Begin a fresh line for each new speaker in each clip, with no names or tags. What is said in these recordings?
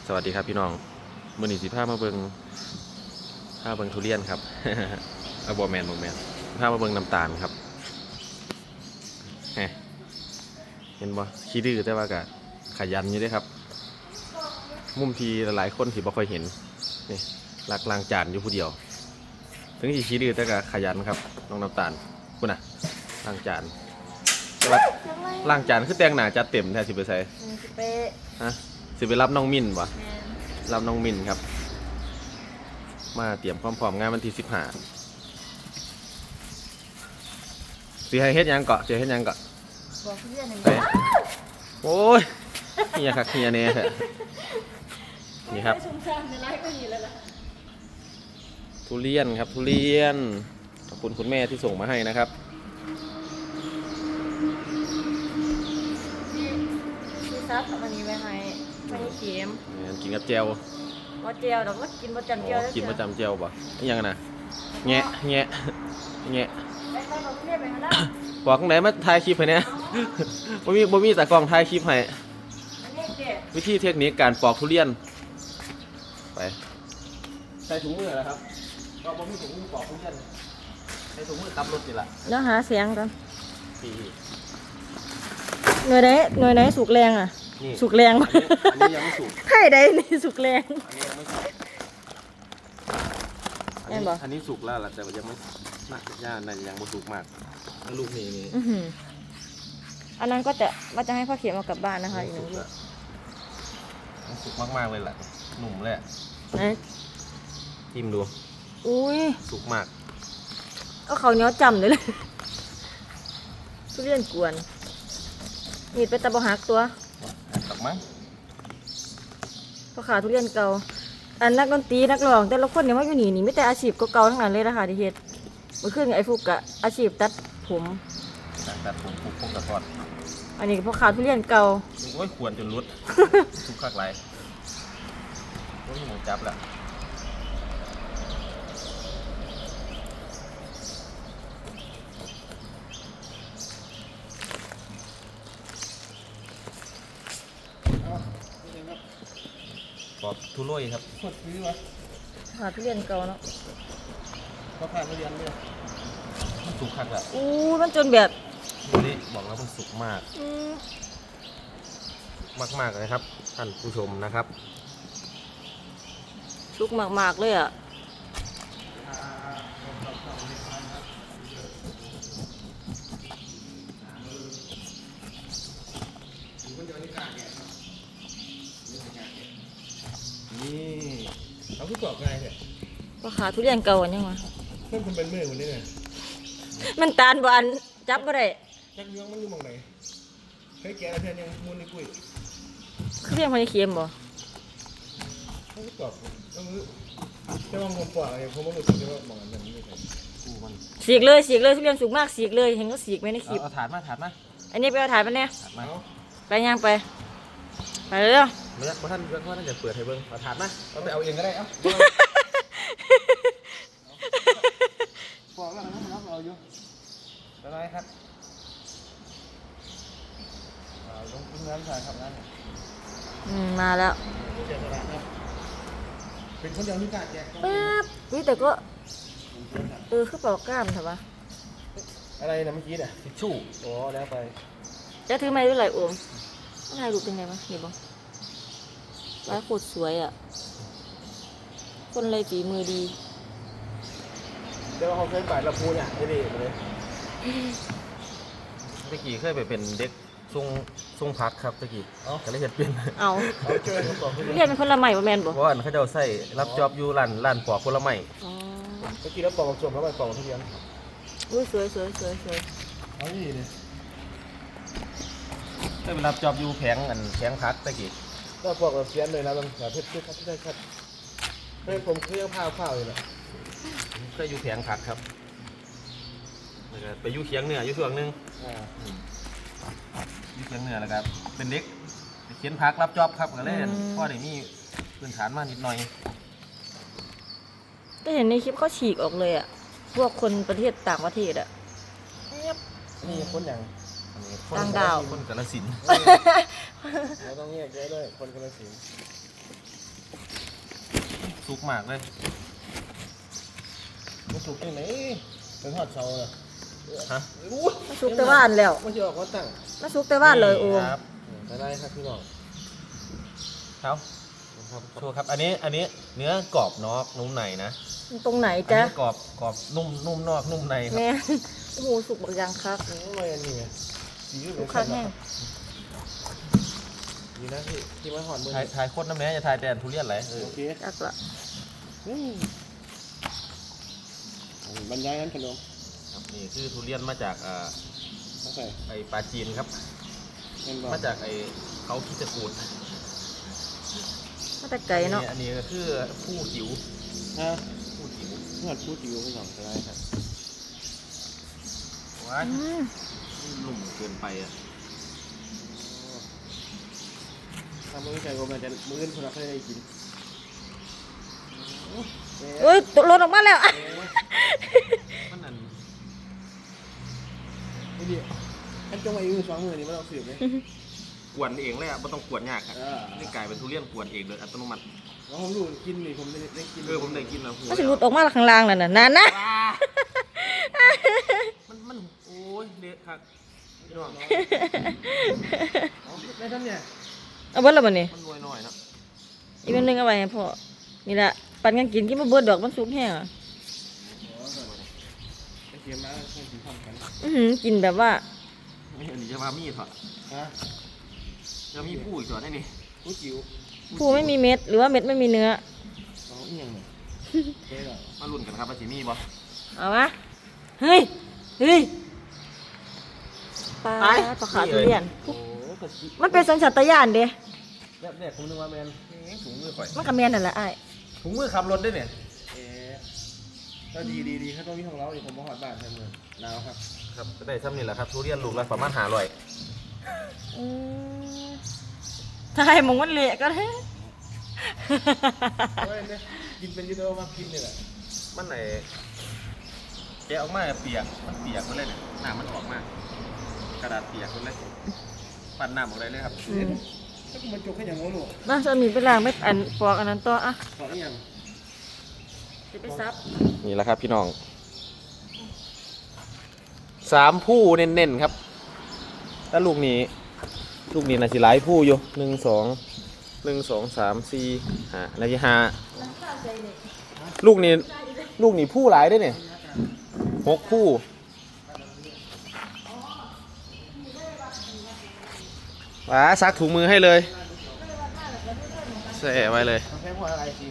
สวัสดีครับพี่น้องมื้อนี้สิพามาเบิ่งทุเรียนครับ เอาบ่แม่นพามาเบิ่งน้ำตาลครับเห็นบ่ขี้ดื้อแต่ว่าก็ขยันอยู่เด้ครับมุมที่หลายคนสิบ่ค่อยเห็นนี่ลักล้างจานอยู่ผู้เดียวถึงสิขี้ดื้อแต่ก็ขยันครับน้องน้ำตาลพุ่นน่ะล้างจานแต่ว่าล้างจานคือแต่งหน้าจัดเต็มแท้สิไปใส่ฮะสิไปรับน้องมิ้นบ่รับน้องมินครับมาเตรียมพร้อมๆงานวันที่15สิให้เฮ็ดยังเกาะ
บอกเพื่อนหนึ่ง
ไปโอ้ยเฮียคักเฮียเนี่ยนี่ครับทุเรียนครับทุเรียนขอบคุณคุณแม่ที่ส่งมาให้นะครับ
ที่ซับวันนี้ไปให้ไม่เค็ม
กินกับแจ่ว
ว่าเจียวเราก็กินประจำเจียว
กินประจำแจ่วป่ะนี่ยังนะแงะ
ไปบอกเพื่อนไปมาแล้ว
บอกข้างไหนมาถ่ายคลิปให้เนี่ยบ่มีแต่กล้องถ่ายคลิปให้วิธีเทคนิคการปอกทุเรียนไปใส่ถุงมือแล้วครับก็บ่มีถุงมือปอกทุเรียนใส่ถุงมือขับรถนี่แหละ
แล้วหาเสียงกัน
ปี
หน่วยไหนสุกแรงอ่ะสุกแรง
อันนี้ยังไม่สุก
ไข่ได้นี่สุกแรง
อันนี้ยังไม่สุกอันนี้สุกแล้วแต่ยังไม่น่าจะย่านยังไม่สุกมากแล้วลูกนี่
อันนั้นก็ว่าจะให้พ่อเขียนเอากลับบ้านนะคะอีกหนึ่งลูก
สุกมากๆเลยแหละหนุ่มเลยจิ้มดู
อุ้ย
สุกมาก
ก็เขาเนี้ยจำเลยทุเรียนกวนมีดเป็นตะบะหักตัว
ตักมั้ง
พอขาทุเรียนเก่าอันนักดนตรีนักร้องแต่ละคนเนี่ยว่าอยู่นี่ไม่แต่อาชีพเก่าทั้งนั้นเลยนะคะที่เฮ็ดเมื่อคืนไอ้ฟุกกะอาชีพตัดผม
พวกกระทอด
อันนี้พอขาทุเรียนเก่า
โอ้ยควรจนรุดสุกคักไรโอ้ยหมูจับแล้วปอกทุโรยครับสดซื้อวะ
ขาทุเรียนเก่าเนาะ
ก็ผ่านทุเรียนเนี่ยมันสุกคักแล้ว
มันจนแบบ
นี่บอกแล้วมันสุกมากมากเลยครับท่านผู้ชมนะครับ
สุกมากเลยอ่ะ
นี่เขาคือปอกไงเนี่ย
พอขาทุเรียนเก่าอันยังวะ
เพื่อนคุณเป็นมือคนนี้ไง
มันตาลบานจับบ่ได้
จักเนื้อมันอยู่มองไหนเคยแกะอะไรเพื่อนยังมูนในกุ้ย
เครื่องมันเค็มบ่
เขาคือปอกก็มือจะมองผมปอกอะไรผมไม่รู้สึกว่ามองอันนั้นไม่ใช่กูมัน
สีกเลยทุเรียนสุกมากสีกเลยเห็นก็สีกไหมในคลิป
เอาถาดมา
อันนี้ไปเอาถาดมาเนี่ยไปย่างไปเร็ว
เพราะท่านจะเปิดให้เบิ้งเอาถาดมาเอาไปเอาเองก็ได้เอ้าปอกแล้วนะครับเราอยู่อะไรครับลงงานถ่ายครับงาน
มาแล้ว
เป็นคนเดียวที่กล้าแจก
แป๊บวิแต่ก็คือเป่ากล้ามใช่ปะ
อะไรนะเมื่อกี้เนี่ยทิชชู่อ๋อแล้วไป
จะถือไม้ด้วยไหลโอมอะไรดูเป็นไงบ้างเห็นบ้างร้ายโคตรสวยอ่ะคนเลยฝีมือดี
เดี๋ยวเขาเคยไปละพูเนี่ยไม่ดีเลยตะกี้เคยไปเป็นเด็กทรงพักครับตะกี้ก็เลยเห็นเป็น
เอาเรียนเป็นคนละใหม่ป่ะแมนบอก
เพราะว่าเขาจะใส่รับจอบอยู่ร้านปอกคนละใหม่ตะกี้แล้วปอกชมแล้วไปปอกทุเรียน
อุ้ยสวย
เอานี่เลยเคยไปรับจอบอยู่แผงพักตะกี้ก็ปอกแบบเสียนเลยนะบางแบบเพชรได้ครับเฮ้ยผมเครื่องผ้าอยู่แหละเคยอยู่แผงพักครับไปอยู่เคียงเหนืออยู่ช่วงนึงอยู่เคียงเหนือแล้วครับเป็นเด็กเขียนพักรับจอบครับก็เล่นพ่อเดี๋ยวนี้พื้นฐานมานิดหน่อย
ก็เห็นในคลิปเขาฉีกออกเลยอ่ะพวกคนประเทศต่างประเทศอ่ะ
นี่คนอย่าง
ต่างดาว
คนกาฬสินธุ์เราต้องแยกแยะด้วยคนกาฬสินธุ์สุกมากเลยมันสุกยังไงเป็นทอดเสาเลยฮะ
มาสุกแต่ว่านแล้ว
มันจะออกว่าตั้ง
มาสุกแต่ว่านเลยโอม
ครับได้ครับพี่น้องครับโชว์ครับอันนี้เนื้อกรอบนอกนุ่มในนะ
ตรงไหน
อัน
จ๊ะ
นี้กรอบนุ่มนอกนุ่มในครับ
แม่โอ้โหสุกบักอยางคัก
โอ้ยอันนี้ไง
สุกคักแห้ง
ดีนะที่มาหอนมือ
ถ่ายโคตรน้ำแน่จะถ่ายแต่ทุเรียนไหล
โอเค
จักละ
บรรยายนั้นขนม
ครับนี่คือทุเรียนมาจาก
เขาใส่
ไอปลาจีนครับ
เป็นบอ
มาจากไอเขาคิดจะกูด
มาแต่ไก่เนาะ
อันนี้ก็คือผู้จิ๋ว
ฮะ
ผู้จิ๋ว
เมื่อพูดอยู่คุณสองอะไรครับ
ว้าย
อืม
หนุ่มเกินไปอ่ะ
ถ้ามือใจผมอาจจะมือคนละเคยได้กิน
เอ้ยตกหล่นออกมาแล้ว
มันนั่น
ไม่ดีท่านจงมาอยู่สองมือนี่ไม่ต้องสืบเลย
กวนเองเลยอ่ะไม่ต้องกวนยากครับ
เออ
นี่กลายเป็นทุเรียนกวนเองโดยอัตโนมัติ
แล้วผมรู้กินนี่ผมได้กิน
ผมได้กินแล้ว
มันสิหลุดออกมาข้างล่างนั่นน่ะนั่นนะ
มันโอ้ยเละครับพี่น้อง
ได้ท่านเนี่ย
เอาเบิดแล้วบัดนี้
มันรวยหน่อยเนาะ
อีกอันหนึงเอาไว้ให้พ่อนี่ล่ะปันกันกินบ่เบิดดอกมันสุกแห้งอ่ะ
ไอเกียร์มาคงถึงทำกัน
กินแบบว่า
นี่อันนี้จะมามีดเหรอ
ฮะ
จะมีผู้อีกส่วนได้นี่
พูดจิ๋ว
ผู้ไม่มีเม็ดหรือว่าเม็ดไม่มีเนื้อ
เขาเอียงเนี่ยเจ๊หรอ
มาลุ้นกันครับว่าสิมีบ่
เอามาเฮ้ยปลาปลาขาทุเรียน
โอ้กระชิ
มันเป็นสัญชาตญาณเด้
แรกผมนึกว่าแมนถุงมือข่อย
มันก็แม่นนั่นแหละอ้าย
ถุงมือขับรถได้เนี่ย
ก็ดีเขาต้องมีของเราอยู่ผมมาหอดบ้านแทนเลยหนาวครับ
ครับก็ได้ซ้ำนี่แหละครับทุเรียนลูกละประมาณ500
อืมถ้าให้มองมันเละก็ได้
เฮ้ยเนี่ยกินเป็นยูโดมากินเลยแหละ
มันไหนแกะออกมาเปียกมันเปียกหมดเลยเนี่ยน้ำมันออกมากระดาษเปียกหมดเลยปั่นน้ำออกเลยครับ
อืม
ถ้ากูมันจกแค่อย่างโง่หนู
มาจะมีเวลางไม่อันปอกอันนั้นต่ออ่ะ
ขอได้ยัง
จะไปซับ
นี่แหละครับพี่น้อง3ผู้เน้นๆครับแล้วลูกนี้น่าสิหลายผู้อยู่1 2 3 4 5แล้วที่5ลูกนี้ผู้หลายได้เนี่ย6ผู้ว้าซักถุงมือให้เลยใส่ไว้เลย
แค่พวกอะไรสิ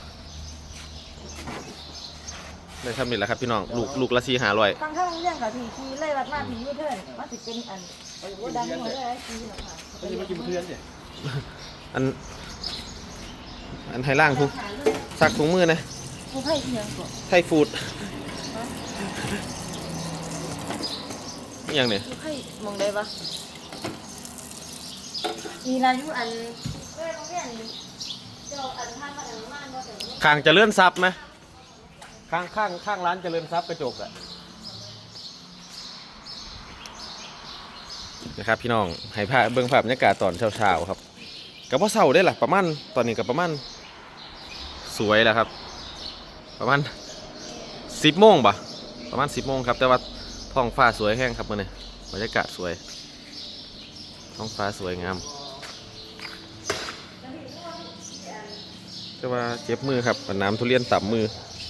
ได้ทำนี่แหละครับพี่น้องลูกละ4-500
ฟังข้างเรื่องกับทีทีไล่วัดมาทียูเทิร์นมาสิเป็นอันว่าดังหัวเลยทีหรอกค่ะ
ไม่ใช่มากินเพื่อนสิ
อันให้ล่างทุกซักถุงมือนะ
กูให้เพียงก่อน
ไทยฟูดอย่างเนี่ย
กูให้มองได้ปะมีรายุอันเอ้ยโรงเรียนเจ้าอันท่านมาอันมานบ่แต่ว่า
ข้างเจะเลื่อนซับไหมข้างร้านเจริญทรัพย์กระจกอะนะครับพี่น้องให้ภาพเบื้องภาพบรรยากาศตอนเช้าๆครับกับว่าเช้าได้ล่ะประมาณตอนนี้กับประมาณสวยแล้วครับ ประมาณ10 โมงป่ะประมาณ10 โมงครับแต่ว่าท้องฟ้าสวยแห้งครับมื้อนี้บรรยากาศสวยท้องฟ้าสวยงามแต่ว่าเจ็บมือครับน้ำทุเรียนต่ำมื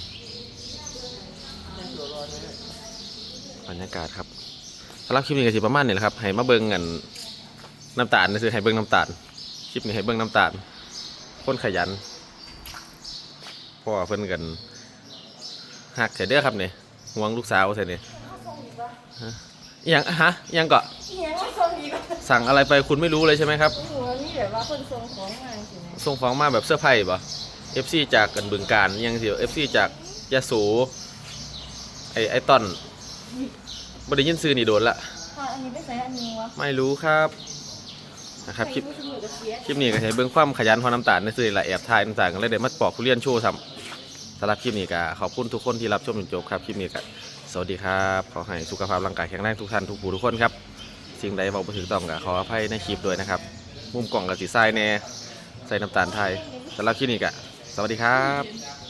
อบรรยากาศครับสำหรับคลิปนี้ก็สิประมาณนี้แหละครับให้มาเบิ่งกันน้ำตาลนะคือให้เบิ่งน้ำตาลคลิปนี้ให้เบิ่งน้ำตาลคนขยันพ่อเพิ่นกันหักใส่เด้อครับเนี่ยห่วงลูกสาวใส่เนี่ยอิหยังเกาะ
เฮียว่าทรงดีกว่า
สั่งอะไรไปคุณไม่รู้เลยใช่ไหมครับ
หัวนี่แบบว่าคนทรงของมาสินะ
ส่งของมาแบบเสื้อผ้าป่ะ FC จากกันบึงการยังสิ FC จากยะโสไอต้นบ่ได้ยินซื้อนี่โดนละ
ค่ะอันนี้ไปใส่อันนี้วะ
ไม่รู้ครับนะครับคลิป
ใส่มือถือกับเสีย
คลิปนี้ก็ใช้เบื้องความขยันพอน้ำตาลในสื่อละแอบถ่ายน้ำตาลกันเลยเดี๋ยวมาปอกทุเรียนโชว์ซ้ำสำหรับคลิปนี้ก็ขอบคุณทุกคนที่รับชมจนจบครับคลิปนี้ก็สวัสดีครับขอให้สุขภาพร่างกายแข็งแรงทุกท่านทุกผู้ทุกคนครับสิ่งใดเว้าบ่ถูกต้องก็ขออภัยในคลิปด้วยนะครับมุมกล่องกับสีทรายแน่ใส่น้ำตาลไทยสำหรับคลิปนี้ก็สวัสดีครับ